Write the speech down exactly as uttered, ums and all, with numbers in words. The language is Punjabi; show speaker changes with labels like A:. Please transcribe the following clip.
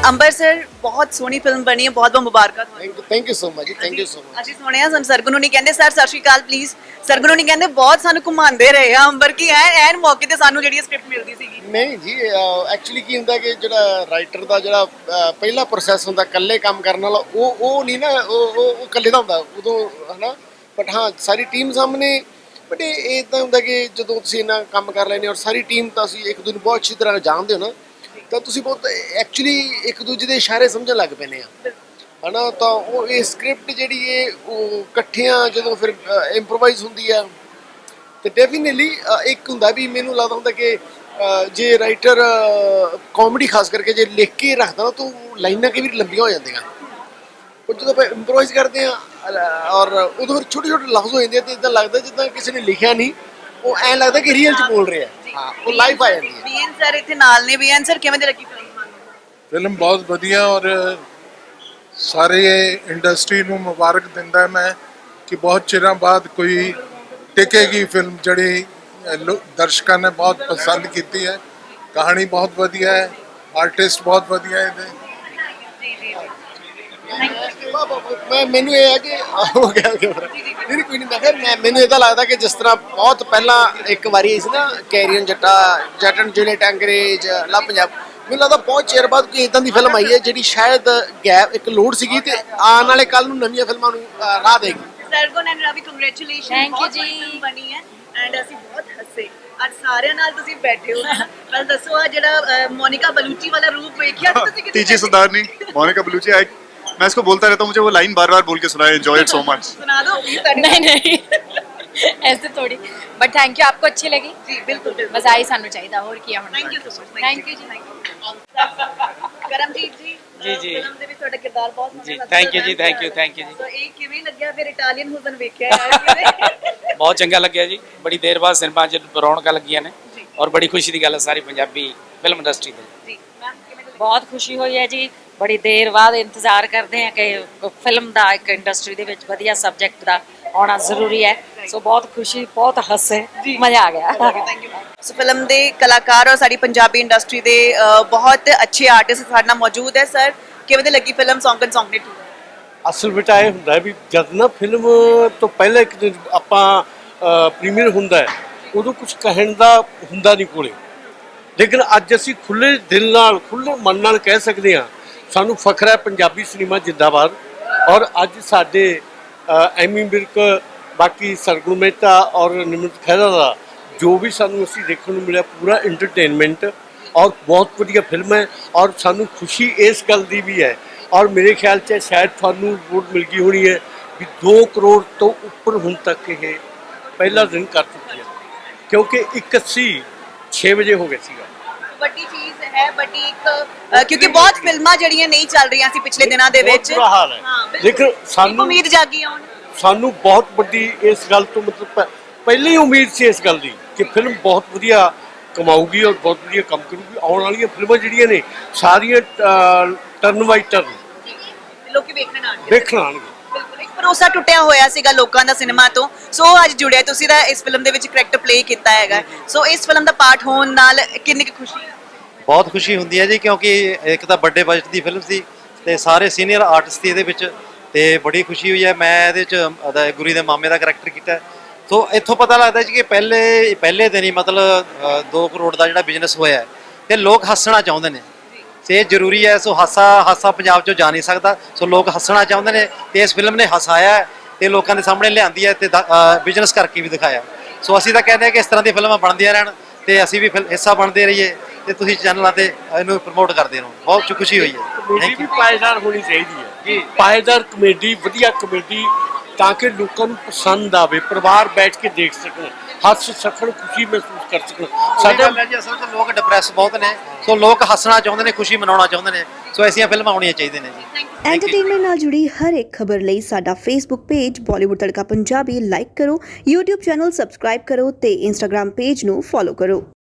A: अंबर सर बहुत सोहनी फिल्म बनी है, बहुत बहुत मुबारक
B: thank you thank you so much जी थैंक यू सो मच
A: ਅਸੀਂ ਸੁਣਿਆ ਸਾਨੂੰ ਸਰਗੁਣ ਨਹੀਂ ਕਹਿੰਦੇ ਸਰ ਸਤਿ ਸ਼੍ਰੀ ਅਕਾਲ ਪਲੀਜ਼ ਸਰਗੁਣ ਨਹੀਂ ਕਹਿੰਦੇ ਬਹੁਤ ਸਾਨੂੰ ਘੁਮਾਉਂਦੇ ਰਹੇ ਆ ਅੰਬਰ ਕੀ ਐ ਐਨ ਮੌਕੇ ਤੇ ਸਾਨੂੰ ਜਿਹੜੀ ਸਕ੍ਰਿਪਟ ਮਿਲਦੀ ਸੀਗੀ
B: ਨਹੀਂ ਜੀ ਐਕਚੁਅਲੀ ਕੀ ਹੁੰਦਾ ਕਿ ਜਿਹੜਾ ਰਾਈਟਰ ਦਾ ਜਿਹੜਾ ਅਹ, ਪਹਿਲਾ ਪ੍ਰੋਸੈਸ ਹੁੰਦਾ ਇਕੱਲੇ ਕੰਮ ਕਰਨ ਵਾਲਾ ਉਹ ਉਹ ਨਹੀਂ ਨਾ ਉਹ ਉਹ ਉਹ ਇਕੱਲੇ ਦਾ ਹੁੰਦਾ ਉਦੋਂ ਹਨਾ ਬਟ ਹਾਂ ਸਾਰੀ ਟੀਮ ਸਾਹਮਣੇ ਬਟ ਇਹ ਇਦਾਂ ਹੁੰਦਾ ਕਿ ਜਦੋਂ ਤੁਸੀਂ ਇਹਨਾਂ ਕੰਮ ਕਰ ਲੈਂਦੇ ਹੋ ਔਰ ਸਾਰੀ ਟੀਮ ਤਾਂ ਅਸੀਂ ਇੱਕ ਦੂਜੇ ਨੂੰ ਬਹੁਤ ਅੱਛੀ ਤਰ੍ਹਾਂ ਜਾਣਦੇ ਹੋ ਨਾ ਤਾਂ ਤੁਸੀਂ ਬਹੁਤ ਐਕਚੁਅਲੀ ਇੱਕ ਦੂਜੇ ਦੇ ਇਸ਼ਾਰੇ ਸਮਝਣ ਲੱਗ ਪੈਂਦੇ ਆ ਹਨਾ ਤਾਂ ਉਹ ਇਹ ਸਕ੍ਰਿਪਟ ਜਿਹੜੀ ਇਹ ਉਹ ਇਕੱਠਿਆਂ ਜਦੋਂ ਫਿਰ ਇੰਪਰੋਵਾਈਜ਼ ਹੁੰਦੀ ਆ ਤੇ ਡੈਫੀਨਿਟਲੀ ਇੱਕ ਹੁੰਦਾ ਵੀ ਮੈਨੂੰ ਲੱਗਦਾ ਹੁੰਦਾ ਕਿ ਅਹ, ਜੇ ਰਾਈਟਰ ਕਾਮੇਡੀ ਖਾਸ ਕਰਕੇ ਜੇ ਲਿਖ ਕੇ ਰੱਖਦਾ ਨਾ ਤਾਂ ਲਾਈਨਾਂ ਕਈ ਵਾਰੀ ਲੰਬੀਆਂ ਹੋ ਜਾਂਦੀਆਂ ਉਹ ਜਦੋਂ ਆਪਾਂ ਇੰਪਰੋਵਾਈਜ਼ ਕਰਦੇ ਆ ਔਰ ਉਦੋਂ ਫਿਰ ਛੋਟੇ ਛੋਟੇ ਲਫ਼ਜ਼ ਹੋ ਜਾਂਦੇ ਆ ਤੇ ਇਦਾਂ ਲੱਗਦਾ ਜਿੱਦਾਂ ਕਿਸੇ ਨੇ ਲਿਖਿਆ ਨਹੀਂ ਉਹ ਐਂ ਲੱਗਦਾ ਕਿ ਰੀਅਲ ਚ ਬੋਲ ਰਿਹਾ ਹਾਂ ਉਹ ਲਾਈਫ ਆ ਜਾਂਦੀ ਹੈ
A: ਬੀਐਨ ਸਰ ਇੱਥੇ ਨਾਲ ਨੇ ਬੀਐਨ ਸਰ ਕਿਵੇਂ ਦੀ ਲੱਗੀ ਫਿਲਮ ਤੁਹਾਨੂੰ
C: ਫਿਲਮ ਬਹੁਤ ਵਧੀਆ ਔਰ ਸਾਰੇ ਇੰਡਸਟਰੀ ਨੂੰ ਮੁਬਾਰਕ ਦਿੰਦਾ ਮੈਂ ਕਿ ਬਹੁਤ ਚਿਰਾਂ ਬਾਅਦ ਕੋਈ ਟਿਕੇਗੀ ਫਿਲਮ ਜਿਹੜੀ ਲੋ- ਦਰਸ਼ਕਾਂ ਨੇ ਬਹੁਤ ਪਸੰਦ ਕੀਤੀ ਹੈ ਕਹਾਣੀ ਬਹੁਤ ਵਧੀਆ ਹੈ ਆਰਟਿਸਟ ਬਹੁਤ ਵਧੀਆ ਹੈ ਇਹਦੇ
B: ਮੈਂ ਮੈਨੂੰ ਇਹ ਹੈ ਕਿ ਹੋ ਗਿਆ ਕਿ ਨਹੀਂ ਨਹੀਂ, ਕੋਈ ਨਹੀਂ ਮੈਂ ਕਿਹਾ ਮੈਂ ਮੈਨੂੰ ਇਹਦਾ ਲੱਗਦਾ ਕਿ ਜਿਸ ਤਰ੍ਹਾਂ ਬਹੁਤ ਪਹਿਲਾਂ ਇੱਕ ਵਾਰੀ ਆਈ ਸੀ ਨਾ ਕੈਰੀਅਨ ਜੱਟਾ ਜੱਟ ਐਂਡ ਜੂਲੀਅਟ ਅੰਗਰੇਜ਼ ਲਾ ਪੰਜਾਬ ਮੈਨੂੰ ਲੱਗਦਾ ਬਹੁਤ ਚਿਰ ਬਾਅਦ ਕੋਈ ਇਦਾਂ ਦੀ ਫਿਲਮ ਆਈ ਹੈ ਜਿਹੜੀ ਸ਼ਾਇਦ ਗੈਪ ਇੱਕ ਲੋੜ ਸੀਗੀ ਤੇ ਆਉਣ ਵਾਲੇ ਕੱਲ ਨੂੰ ਨਵੀਆਂ ਫਿਲਮਾਂ ਨੂੰ ਅਹ, ਰਾਹ ਦੇਗੀ
A: Sargun and Ravi congratulation
D: Thank you
A: ਬਹੁਤ
D: ਜੀ।
A: ਸੋਹਣੀ ਫਿਲਮ ਬਣੀ ਹੈ ਐਂਡ ਅਸੀਂ ਬਹੁਤ ਹੱਸੇ ਅੱਜ ਸਾਰਿਆਂ ਨਾਲ ਤੁਸੀਂ ਬੈਠੇ ਹੋ ਪਰ ਦੱਸੋ ਆ ਜਿਹੜਾ ਅਹ, ਮੋਨਿਕਾ ਬਲੂਚੀ ਵਾਲਾ ਰੂਪ ਵੇਖਿਆ ਸੀ ਤੁਸੀਂ ਕਿਤੇ
E: तीजी सरदारनी मोनिका बलूची आई मैं इसको बोलता रहता हूँ मुझे वो लाइन बार बार बोल के सुनाए एंजॉय इट सो मच
A: ਸੁਣਾ ਦਿਓ ਪਲੀਜ਼
D: नहीं नहीं ऐसे थोड़ी बट थैंक यू आपको अच्छी लगी
A: ਜੀ ਬਿਲਕੁਲ ਬਿਲਕੁਲ
D: मजा आई सानू चाहिए और किया होना
A: thank you so much
D: thank you जी
A: ਕਰਮਜੀਤ ਜੀ
F: ਜੀ, ਜੀ।
A: ਫਿਲਮ ਦੇ ਵਿੱਚ ਤੁਹਾਡਾ ਕਿਰਦਾਰ ਬਹੁਤ ਸੋਹਣਾ
F: ਜੀ,
A: ਲੱਗਦਾ
F: thank you ਜੀ,
A: ਹੈ।
F: thank you, thank you ਜੀ।
A: ਸੋ ਇਹ ਕਿਵੇਂ ਲੱਗਿਆ ਫਿਰ ਇਟਾਲੀਅਨ ਹੁਸਨ ਵੇਖਿਆ ਹੈ ਕਿਵੇਂ
F: ਬਹੁਤ ਚੰਗਾ ਲੱਗਿਆ ਜੀ ਬੜੀ ਦੇਰ ਬਾਅਦ ਸਿਨੇਮਾ 'ਚ ਰੌਣਕਾਂ ਲੱਗੀਆਂ ਨੇ
A: ਜੀ।
F: ਔਰ ਬੜੀ ਖੁਸ਼ੀ ਦੀ ਗੱਲ ਹੈ ਸਾਰੀ ਪੰਜਾਬੀ ਫਿਲਮ ਇੰਡਸਟਰੀ ਦੇ
A: ਜੀ ਮੈਮ ਕਿਵੇਂ ਲੱਗੀ
D: ਬਹੁਤ ਖੁਸ਼ੀ ਹੋਈ ਹੈ ਜੀ ਬੜੀ ਦੇਰ ਬਾਅਦ ਇੰਤਜ਼ਾਰ ਕਰਦੇ ਹਾਂ ਕਿ ਫਿਲਮ ਦਾ ਇੱਕ ਇੰਡਸਟਰੀ ਦੇ ਵਿੱਚ ਵਧੀਆ ਸਬਜੈਕਟ ਦਾ ਆਉਣਾ ਜ਼ਰੂਰੀ ਹੈ ਸੋ ਬਹੁਤ ਖੁਸ਼ੀ ਬਹੁਤ ਹੱਸੇ ਮਜ਼ਾ ਆ ਗਿਆ
A: ਥੈਂਕ ਯੂ ਸੋ ਫਿਲਮ ਦੇ ਕਲਾਕਾਰ ਔਰ ਸਾਡੀ ਪੰਜਾਬੀ ਇੰਡਸਟਰੀ ਦੇ ਅ, ਬਹੁਤ ਅੱਛੇ ਆਰਟਿਸਟ ਸਾਡੇ ਨਾਲ ਮੌਜੂਦ ਹੈ ਸਰ ਕਿਵੇਂ ਦੀ ਲੱਗੀ ਫਿਲਮ ਸੌਂਗ ਐਂਡ ਸੌਂਗ ਨੇ ਟੂ
G: ਅਸਲ ਵਿੱਚ ਇਹ ਹੁੰਦਾ ਹੈ ਵੀ ਜਦ ਨਾ ਫਿਲਮ ਤੋਂ ਪਹਿਲਾਂ ਇੱਕ ਦਿਨ ਆਪਾਂ ਪ੍ਰੀਮੀਅਰ ਹੁੰਦਾ ਹੈ ਉਦੋਂ ਕੁਝ ਕਹਿਣ ਦਾ ਹੁੰਦਾ ਨਹੀਂ ਕੋਲੇ ਲੇਕਿਨ ਅੱਜ ਅਸੀਂ ਖੁੱਲੇ ਦਿਲ ਨਾਲ ਖੁੱਲੇ ਮਨ ਨਾਲ ਕਹਿ ਸਕਦੇ ਹਾਂ ਸਾਨੂੰ ਫਖਰ ਹੈ ਪੰਜਾਬੀ ਸਿਨੇਮਾ ਜਿੰਦਾਬਾਦ ਔਰ ਅੱਜ ਸਾਡੇ ਅ, ਐਮੀ ਵਿਰਕ ਬਾਕੀ ਸਰਗੁਣ ਮਹਿਤਾ ਔਰ ਨਿਮਰਤ ਖਹਿਰਾ ਦਾ ਜੋ ਵੀ ਸਾਨੂੰ ਅਸੀਂ ਦੇਖਣ ਨੂੰ ਮਿਲਿਆ ਪੂਰਾ ਐਂਟਰਟੇਨਮੈਂਟ ਔਰ ਬਹੁਤ ਵਧੀਆ ਫਿਲਮ ਹੈ ਔਰ ਸਾਨੂੰ ਖੁਸ਼ੀ ਇਸ ਗੱਲ ਦੀ ਵੀ ਹੈ ਔਰ ਮੇਰੇ ਖਿਆਲ 'ਚ ਸ਼ਾਇਦ ਤੁਹਾਨੂੰ ਰਿਪੋਰਟ ਮਿਲ ਗਈ ਹੋਣੀ ਹੈ ਵੀ ਦੋ ਕਰੋੜ ਤੋਂ ਉੱਪਰ ਹੁਣ ਤੱਕ ਇਹ ਪਹਿਲਾ ਦਿਨ ਕਰ ਚੁੱਕੀ ਹੈ ਕਿਉਂਕਿ ਇੱਕ ਅੱਸੀ ਛੇ ਵਜੇ ਹੋ ਗਿਆ ਸੀਗਾ
A: ਵੱਡੀ ਚੀਜ਼ ਹੈ ਵੱਡੀ ਇੱਕ ਅ, ਕਿਉਂਕਿ ਬਹੁਤ ਫਿਲਮਾਂ ਜਿਹੜੀਆਂ ਨਹੀਂ ਚੱਲ ਰਹੀਆਂ ਸੀ ਪਿਛਲੇ ਦਿਨਾਂ ਦੇ ਵਿੱਚ
G: ਬਹੁਤ ਬੁਰਾ ਹਾਲ ਹੈ।
A: ਹਾਂ, ਬਿਲਕੁਲ।
G: ਲੇਕਿਨ
A: ਇੱਕ
G: ਸਾਨੂੰ-
A: ਉਮੀਦ ਜਾਗੀ ਆ ਹੁਣ
G: ਸਾਨੂੰ ਬਹੁਤ ਵੱਡੀ ਇਸ ਗੱਲ ਤੋਂ ਮਤਲਬ ਪ- ਪਹਿਲਾਂ ਹੀ ਉਮੀਦ ਸੀ ਇਸ ਗੱਲ ਦੀ ਕਿ ਫਿਲਮ ਬਹੁਤ ਵਧੀਆ ਕਮਾਊਗੀ ਔਰ ਬਹੁਤ ਵਧੀਆ ਕੰਮ ਕਰੂਗੀ ਆਉਣ ਵਾਲੀਆਂ ਫਿਲਮਾਂ ਜਿਹੜੀਆਂ ਨੇ ਸਾਰੀਆਂ ਟਰਨ ਬਾਈ ਟਰਨ
A: ਲੋਕੀ ਵੇਖਣ ਆਣਗੇ
G: ਦੇਖਣ ਆਉਣਗੇ
A: ਬਿਲਕੁਲ ਇੱਕ ਭਰੋਸਾ ਟੁੱਟਿਆ ਹੋਇਆ ਸੀਗਾ ਲੋਕਾਂ ਦਾ ਸਿਨੇਮਾ ਤੋਂ ਸੋ ਅੱਜ ਜੁੜਿਆ ਤੁਸੀਂ ਤਾਂ ਇਸ ਫਿਲਮ ਦੇ ਵਿੱਚ ਕਰੈਕਟਰ ਪਲੇ ਕੀਤਾ ਹੈਗਾ ਸੋ ਇਸ ਫਿਲਮ ਦਾ ਪਾਰਟ ਹੋਣ ਨਾਲ ਕਿੰਨੀ ਕੁ ਖੁਸ਼ੀ ਹੈ
H: ਬਹੁਤ ਖੁਸ਼ੀ ਹੁੰਦੀ ਹੈ ਜੀ ਕਿਉਂਕਿ ਇੱਕ ਤਾਂ ਵੱਡੇ ਬਜਟ ਦੀ ਫਿਲਮ ਸੀ ਤੇ ਸਾਰੇ ਸੀਨੀਅਰ ਆਰਟਿਸਟ ਸੀ ਇਹਦੇ ਵਿੱਚ ਤੇ ਬੜੀ ਖੁਸ਼ੀ ਹੋਈ ਹੈ ਮੈਂ ਇਹਦੇ ਵਿੱਚ ਉਹਦਾ ਗੁਰੀ ਦੇ ਮਾਮੇ ਦਾ ਕਰੈਕਟਰ ਕੀਤਾ ਸੋ ਇੱਥੋਂ ਪਤਾ ਲੱਗਦਾ ਜੀ ਕਿ ਪਹਿਲੇ ਪਹਿਲੇ ਦਿਨ ਹੀ ਮਤਲਬ ਦੋ ਕਰੋੜ ਦਾ ਜਿਹੜਾ ਬਿਜ਼ਨਸ ਹੋਇਆ ਤੇ ਲੋਕ ਹੱਸਣਾ ਚਾਹੁੰਦੇ ਨੇ ਤੇ ਇਹ ਜ਼ਰੂਰੀ ਹੈ ਸੋ ਹਾਸਾ ਹਾਸਾ ਪੰਜਾਬ 'ਚੋਂ ਜਾ ਨਹੀਂ ਸਕਦਾ ਸੋ ਲੋਕ ਹੱਸਣਾ ਚਾਹੁੰਦੇ ਨੇ ਤੇ ਇਸ ਫਿਲਮ ਨੇ ਹਸਾਇਆ ਤੇ ਲੋਕਾਂ ਦੇ ਸਾਹਮਣੇ ਲਿਆਂਦੀ ਹੈ ਤੇ ਬਿਜ਼ਨਸ ਕਰਕੇ ਵੀ ਦਿਖਾਇਆ ਸੋ ਅਸੀਂ ਤਾਂ ਕਹਿੰਦੇ ਹਾਂ ਕਿ ਇਸ ਤਰ੍ਹਾਂ ਦੀਆਂ ਫਿਲਮਾਂ ਬਣਦੀਆਂ ਰਹਿਣ ਤੇ ਅਸੀਂ ਵੀ ਹਿੱਸਾ ਬਣਦੇ ਰਹੀਏ ਤੇ ਤੁਸੀਂ ਚੈਨਲਾਂ ਤੇ ਇਹਨੂੰ ਪ੍ਰਮੋਟ ਕਰਦੇ ਰਹੋ ਬਹੁਤ ਖੁਸ਼ੀ ਹੋਈ ਹੈ
G: ਕਮੇਡੀ ਵੀ ਪਾਏਦਾਰ ਹੋਣੀ ਚਾਹੀਦੀ ਹੈ ਜੀ ਪਾਏਦਾਰ ਕਮੇਡੀ ਵਧੀਆ ਕਮੇਡੀ ਤਾਂ ਕਿ ਲੋਕਾਂ ਨੂੰ ਪਸੰਦ ਆਵੇ ਪਰਿਵਾਰ ਬੈਠ ਕੇ ਦੇਖ ਸਕਣ ਹੱਸ ਸਕਣ ਖੁਸ਼ੀ ਮਹਿਸੂਸ ਕਰ ਸਕਣ
H: ਸਾਡੇ
G: ਸਾਡੇ
H: ਜੀ ਅਸਲ 'ਚ ਲੋਕ ਡਿਪਰੈਸ ਬਹੁਤ ਨੇ ਸੋ ਲੋਕ ਹੱਸਣਾ ਚਾਹੁੰਦੇ ਨੇ ਖੁਸ਼ੀ ਮਨਾਉਣਾ ਚਾਹੁੰਦੇ ਨੇ ਸੋ ਐਸੀਆਂ ਫਿਲਮਾਂ ਆਉਣੀਆਂ ਚਾਹੀਦੀਆਂ ਨੇ ਜੀ
I: ਐਂਟਰਟੇਨਮੈਂਟ ਨਾਲ ਜੁੜੀ ਹਰ ਇੱਕ ਖਬਰ ਲਈ ਸਾਡਾ Facebook page Bollywood Tadka Punjabi like ਕਰੋ YouTube ਚੈਨਲ ਸਬਸਕ੍ਰਾਈਬ ਕਰੋ ਤੇ Instagram ਪੇਜ ਨੂੰ ਫੋਲੋ ਕਰੋ।